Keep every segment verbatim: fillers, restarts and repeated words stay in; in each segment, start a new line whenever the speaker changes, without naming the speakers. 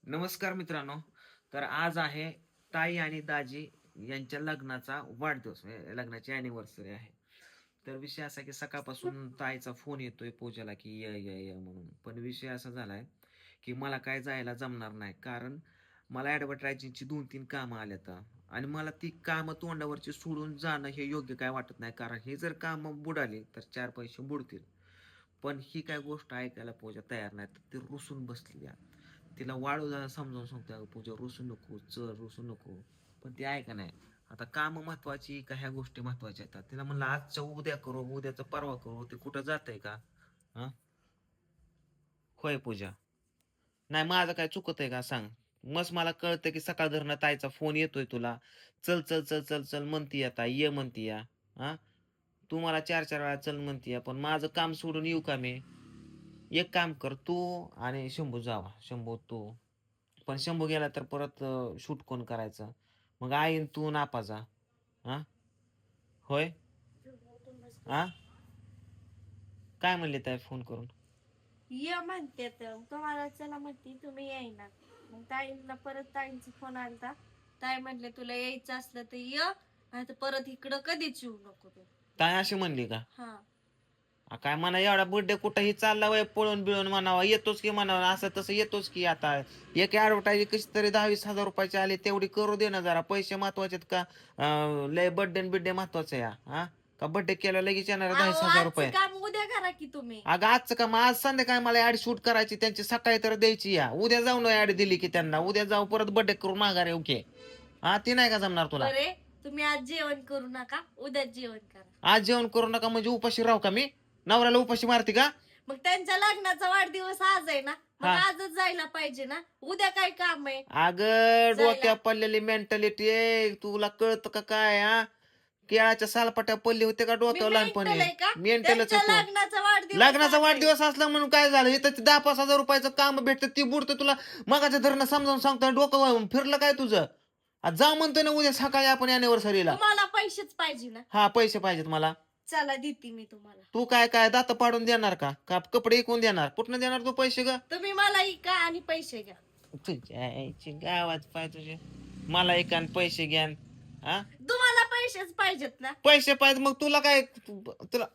नमस्कार मित्रांनो. तर आज आहे ताई आणि दाजी यांच्या लग्नाचा वाढदिवस, म्हणजे लग्नाची अॅनिव्हर्सरी आहे. तर विषय असा की सकाळपासून ताईचा फोन येतोय पूजाला की ये ये ये म्हणून. पण विषय असा झालाय की मला काय जायला जमणार नाही, कारण मला ॲडव्हर्टायझिंगची दोन तीन कामं आल्यात आणि मला ती कामं तोंडावरची सोडून जाणं हे योग्य काय वाटत नाही, कारण हे जर कामं बुडाली तर चार पैसे बुडतील. पण ही काय गोष्ट ऐकायला पूजा तयार नाही, तर ती रुसून बसली आहे. तिला वाळू जरा समजावून सांगतो, अगं पूजा रुसू नको, चल रुसू नको, पण ती ऐका नाही. आता काम महत्वाची का ह्या गोष्टी महत्वाच्या आहेत? तिला म्हणलं आजच्या उद्या करू, उद्याचं परवा करू, ते कुठं जातंय का? हा, होय पूजा. नाही माझं काय चुकत आहे का सांग. मस्त मला कळतं की सकाळ धरणं ताईचा फोन येतोय तुला, चल चल चल चल चल म्हणती आता ये म्हणती या. हा, तू मला चार चार वेळा चल म्हणती या, पण माझं काम सोडून येऊ का मी? एक काम कर तू आणि शंभू जावा, शंभू तू. पण शंभू गेला तर परत शूट कोण करायचं? मग आईन तू नापा जा. हा, होय. हा, काय म्हणले ताई फोन करून?
ये म्हणते तर तुम्हाला चला म्हणते तुम्ही येईना. मग ताईंना परत ताईंचा फोन आलता. ताई म्हटले तुला यायचं असलं तर ये, नाही तर परत इकडं कधीच येऊ नको तू.
ताई अशी म्हणली का?
हा,
आ, काय म्हणा एवढा बर्थडे कुठंही चालला वय पळून बिळून म्हणावा, येतोच की म्हणावा, असं तसं येतोच की. आता एक ऍडव्हर्टाईज कशी तरी दहा वीस हजार रुपयाची आली तेवढी करू दे ना जरा. पैसे महत्वाचे का? अं, लय बर्थडे बिड्डे महत्वाचं या? हा, का बर्थडे केला लगेच येणार दहा
अहो
वीस हजार
आजचं
रुपये?
काम उद्या करा की तुम्ही.
अगं आजचं का? मग आज संध्याकाळी मला ऍड शूट करायची, त्यांची सकाळी तर द्यायची या. उद्या जाऊन ऍड दिली की त्यांना उद्या जाऊ परत बर्थडे करून माघार येऊ की. हा, ती नाही का जमणार तुला?
बरे, तुम्ही आज जेवण करू नका, उद्या जेवण करा.
आज जेवण करू नका म्हणजे उपाशी राहू का मी? नवऱ्याला उपाशी मारते का?
मग त्यांच्या लग्नाचा वाढदिवस आज आहे ना, मग
हा,
आजच जायला पाहिजे ना. उद्या काय काम आहे
अगं
जायला?
डोक्या पडलेली मेंटॅलिटी आहे, तुला कळतं का काय? हा, केळाच्या सालपाट्या पडली होते का
मी
डोक्यावर
मेंटल
लहानपणी?
आहे का?
मेंटलच
त्यांच्या
होतो.
लग्नाचा वाढदिवस
लग्नाचा
आज आहे.
वाढदिवस असला म्हणून काय झालं? इथं दहा पाच हजार रुपयाचं काम भेटतं ती बुडतं तुला. मगाच्या धरणं समजावून सांगतोय, डोकं वळून फिरलं काय तुझं? आज जा म्हणतोय ना उद्या सकाळी आपण अॅनिव्हर्सरीला.
तुम्हाला पैसेच पाहिजे ना.
हा, पैसे पाहिजेत मला.
चला देते मी तुम्हाला.
तू काय काय दात पाडून देणार का? का कपडे विकून देणार? कुठनं देणार तू पैसे ग?
तुम्ही मला इका आणि पैसे घ्या.
तुझ्या आईची गावात पाय तुझे. मला एक आणि पैसे घ्या. हा,
तुम्हाला पैसेच पाहिजेत ना.
पैसे पाहिजे मग तुला काय? तुला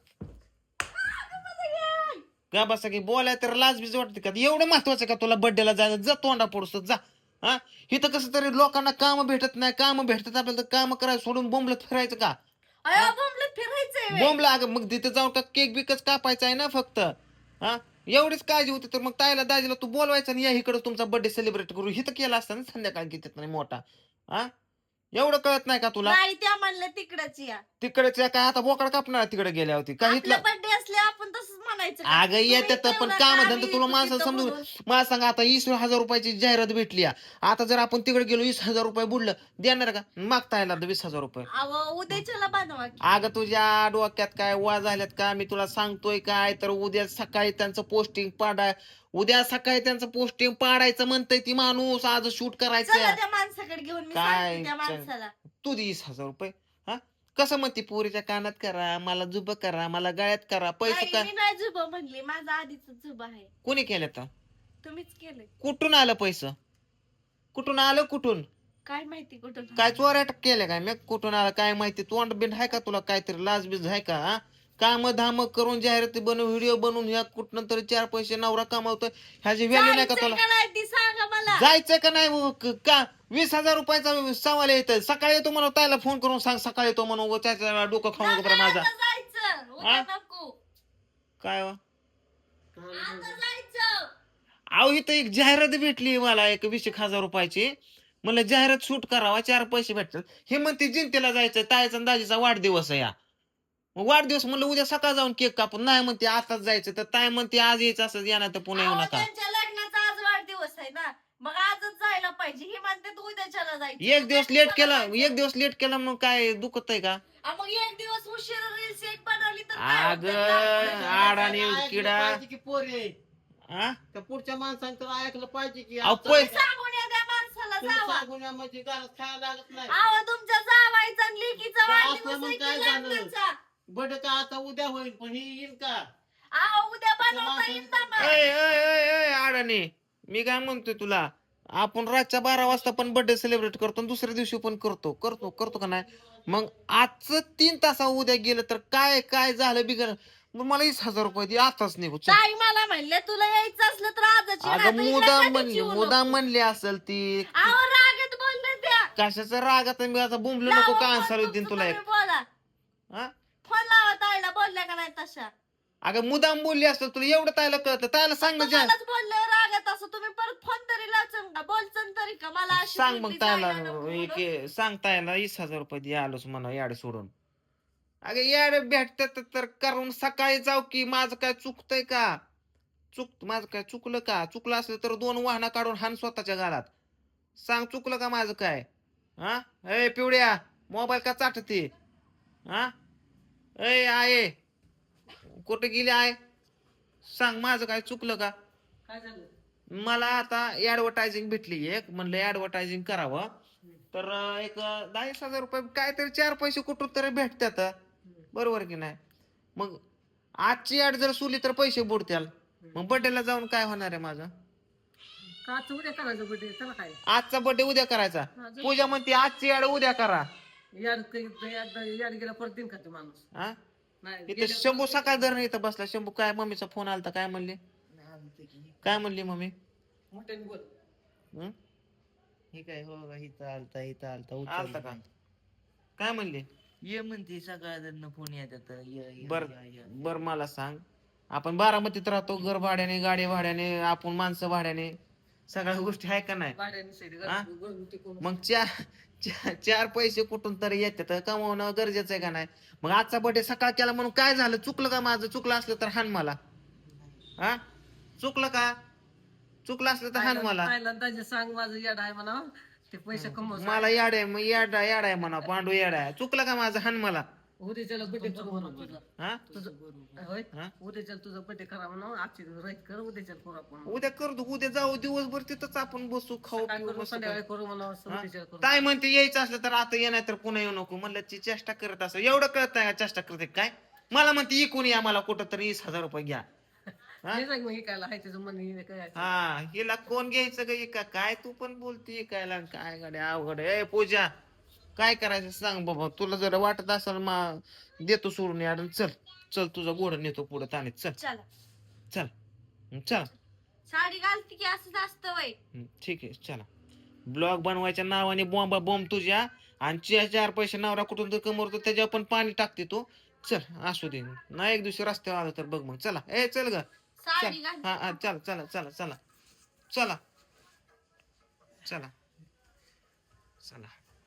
का बसा की बोलाय तर लाज बीज वाटते का? एवढं महत्वाचं का तुला बर्थडेला जायचं? जा तोंडा पडूस जा. हा, इथं कसं तरी लोकांना काम भेटत नाही, काम भेटत आपल्याला तर काम करायचं सोडून बोंबलत फिरायचं का?
अयो बोंबलत फिरायचंय व्हय.
बोंबला अगं मग तिथे जाऊन का केक बिकच कापायचा आहे ना फक्त? हा, एवढीच काळजी होती तर मग ताईला दाजीला तू बोलवायचं आणि या इकडे तुमचा बर्थडे सेलिब्रेट करू. हिथं केला असता ना संध्याकाळी किती नाही मोठा. हा, एवढं कळत नाही का तुला?
नाही त्या म्हणलं तिकडच या.
तिकडेच काय आता बोकड कापणार तिकडे गेल्या होती का?
आपला
इथलं
बर्थडे असले आपण तसंच म्हणायचं का?
अगं
तुम्ही
येतात
इथं
पण
येऊ
काम
नका,
धंदा
आम्ही
तुला
येतो
माणसाला
तिथं
समजून.
म्हणून.
मला सांगा आता वीस हजार रुपयाची जाहिरात भेटली आहे. आता जर आपण तिकडे गेलो वीस हजार रुपये बुडलं देणार का? मागता येणार वीस हजार रुपये?
अहो उद्याच्याला बनवा की.
अगं तुझ्या डोक्यात काय वा झाल्यात का? मी तुला सांगतोय काय तर उद्या सकाळी त्यांचं पोस्टिंग पाडाय. उद्या सकाळी त्यांचं पोस्टिंग पाडायचं म्हणतंय ती माणूस, आज शूट
चला
करायचं.
त्या माणसाकडे घेऊन मी
काय
सांगते त्या
च-
माणसाला.
तू दे वीस हजार रुपये. हा, कसं म्हणते पोरीच्या कानात करा, मला जुब करा, मला गळ्यात करा, पैसे
नाही
का?
मी नाही जुबा म्हणली, माझा आधीच जुबा आहे.
कोणी केलं तर?
तुम्हीच केलंय.
कुठून आलं पैसे? कुठून आलं कुठून?
काय माहिती कुठून
काय
आणलं.
चोऱ्या केल्या काय? मी कुठून आला काय माहिती? तोंड बिंड आहे का तुला? काहीतरी लाज बीज आहे का? हा, काम धाम करून जाहिराती बनवून व्हिडिओ बनवून ह्या कुठनं तरी चार पैसे नवरा कमावतोय, ह्याची व्हॅल्यू नाही का
जायचंय
तुला?
का नाही ती सांगा मला.
जायचंय का नाही? मग क- का वीस हजार रुपयाचा सवाल येत सकाळी येतो म्हणून ताईला फोन करून सांग सकाळी येतो म्हणून उगाच त्याच्या डोकं खाऊ नको
नका
बरं माझा.
आता जायचं, उद्या
हा?
नको.
काय वा?
आता जायचं.
अहो इथं एक जाहिरात भेटली मला एक वीस एक हजार रुपयाची. म्हणलं जाहिरात शूट करावा चार पैसे भेटतात. हे म्हणते जिंतीला जायचं, ताईचा आणि दाजीचा वाढदिवस आहे या. मग वाढदिवस म्हणलं उद्या सकाळ जाऊन केक कापून. नाही म्हणते आताच जायचं, तर ताई म्हणते आज यायचं असं येणार तर पुन्हा येऊ
अहो
नका.
त्यांच्या लग्नाचा आज वाढदिवस आहे ना, मग आजच जायला पाहिजे. ही म्हणते तू उद्याच्याला जायचं.
एक दिवस
उद्या
लेट
कशाला
केला,
जायचं?
एक दिवस लेट केला मग काय दुखत आहे का?
आ, मग एक दिवस उशीर रील्स एक बनवली तर काय
अग
होतंय? दाखवलं तर
आडाने
दाखवलं.
किडा.
पाहिजे की पोरे
हा?
त्या पुढच्या माणसाने तर ऐकलं पाहिजे की
अहो,
आता
पै-
नाही का?
सांगून या त्या माणसाला
तुम्ही
जावा.
सांगून या म्हणजे घरात खायला लागत नाही.
अहो तुमच्या जावायचा आणि लेकीचा
तर असलं
वाढदिवस
मग
आहे
काय
की
झालं?
लग्नाचा.
बट का आता उद्या होईल पण ही येईल का?
अहो उद्या बनवता
माणसाने-
येईल ना मग.
ऐ, ऐ, ऐ, ऐ, अडाणी मी काय म्हणतोय तुला? आपण रातच्या बारा वाजता पण बर्थडे सेलिब्रेट करतो आणि दुसऱ्या दिवशी पण करतो करतो करतो का नाही. मग आजचं तीन तासा उद्या गेलं तर काय काय झालं बिगर मग मला वीस हजार रुपये दे आताच निघू चल.
ताई मला म्हणले तुला यायचं असलं तर आजच ये,
अगं
नाहीतर इकडे
मुदाम
कधीच
म्हणली
येऊ
मुदाम
नको.
म्हणली असेल ती.
अहो रागेत बोलले त्या.
कशाचा राग आता मी आता बुंबलो नको
लावा
का
फोन
अन्सार
तुमचं
तुला एक
तुम्ही बोला.
हा
फोन लावा ताईला, बोलल्या का नाही तशा.
अगं मुदाम बोलली असेल तुला एवढं तायला कळतं तायला सांग ना जा.
तुम्हालाच बोलले रागत असं तुम्ही परत फोन तरी लावचन का बोलचन तरी का मला अशी
सांग मग
बोलली
तायला
जायला नको म्हणून.
एक- सांग तायला वीस हजार रुपये दे आलोच म्हणा याड सोडून. अगं याड भेटत तर करून सकाळी जाऊ की माझं काय चुकतंय का चुक माझं काय चुकलं का चुकलं असलं तर दोन वाहना काढून हान स्वतःच्या गालात. सांग चुकलं का माझं काय. हा ए पिवड्या मोबाईल का चाटते. हा ए आहे कुठे गेली आहे सांग माझं काय चुकलं का.
काय झालं?
मला आता ऍडव्हर्टायझिंग भेटली एक म्हणलं ऍडव्हर्टायझिंग करावं तर अं, एक अं, दहा एक हजार रुपये काहीतरी चार पैसे कुठून तरी भेटतात बरोबर की नाही. मग आजची ऍड जर सुली तर पैसे बुडत्याल. मग बर्थडेला जाऊन काय होणार आहे माझं.
का उद्या करायचं बर्थडे त्याला काय
आजचा बर्थडे उद्या करायचा. पूजा म्हणते आजची ऍड उद्या करा.
यार यार गेला परत दिन खाते माणूस
हा
नाही
इथं शंभू सकाळ धरण इथं बसला. शंभू काय मम्मीचा फोन आलता काय म्हणली काय म्हणली मम्मी.
मोठ्याने बोल.
हं?
हे काय हो का इथं आलता इथं आलता
आलता
उचलला
का
नाही.
काय म्हणली.
ये म्हणते सकाळनं फोन येतात ये ये,
बर
ये, ये.
बर मला सांग आपण बारामतीत राहतो घर भाड्याने गाडी भाड्याने आपण माणसं भाड्याने सगळ्या गोष्टी आहे का नाही.
भाड्याने सैड
हा?
घरगुती कोण
मग चार चार चार पैसे कुठून तरी येतात कमवणं गरजेचं आहे का नाही. मग आजचा बर्थडे सकाळ केला म्हणून काय झालं चुकलं का माझं चुकलं असलं तर हान मला. हा चुकलं का चुकलं असलं तर हान मला.
पहिल्यांदा सांग माझं याड आहे म्हणा ते पैसे कमव
मला याड आहे मग याड याड आहे म्हणा पांडू याड आहे चुकलं का माझं हान मला.
उद्याच्याला बर्थडे करू म्हणा तुझा
हा
तुझं होय
हा?
उद्याच्याला तुझा बर्थडे करा म्हणा आजची राईट कर उद्याच्याला करू आपण
उद्या करतो उद्या जाऊ दिवसभर तिथंच आपण बसू खाऊ
काय
पिऊ
करू
बसू
संध्याकाळी करू म्हणा
हा?
उद्याच्याला करू
काय म्हणते यायचं असलं तर आता ये नाही तर पुन्हा येऊ नको म्हणलं ती चेष्टा करत असं एवढं कळत नाही का चेष्टा करते काय. मला म्हणते इकून या मला कुठं तरी वीस हजार रुपये घ्या. हा?
हे सांग मग हे काय आहे त्याचं मन हे काय
हा हिला कोण घ्यायचं ग का काय तू पण बोलती काय काय गाड्या अवघड आहे. ए पूजा काय करायचं सांग बाबा तुला जर वाटत असेल मा देतो सोडून याड चल चल तुझा गोड नेतो पुढे ताणीत चल
चला
चल हं, चल
साडी घालते की असंच असतं वय.
हं, ठीक आहे चला. ब्लॉग बनवायच्या नावाने बॉम्बा बॉम्ब तुझ्या आणि चे- चार पैसे नवरा कुठून तर कमवतो त्याच्यावर पण पाणी टाकते तू. चल असू दे नाही एक दिवशी रस्त्यावर आलो तर बघ मग चला ए चल ग
साडी
चल हा हा
घालते.
चला चला चला चला चला चला चला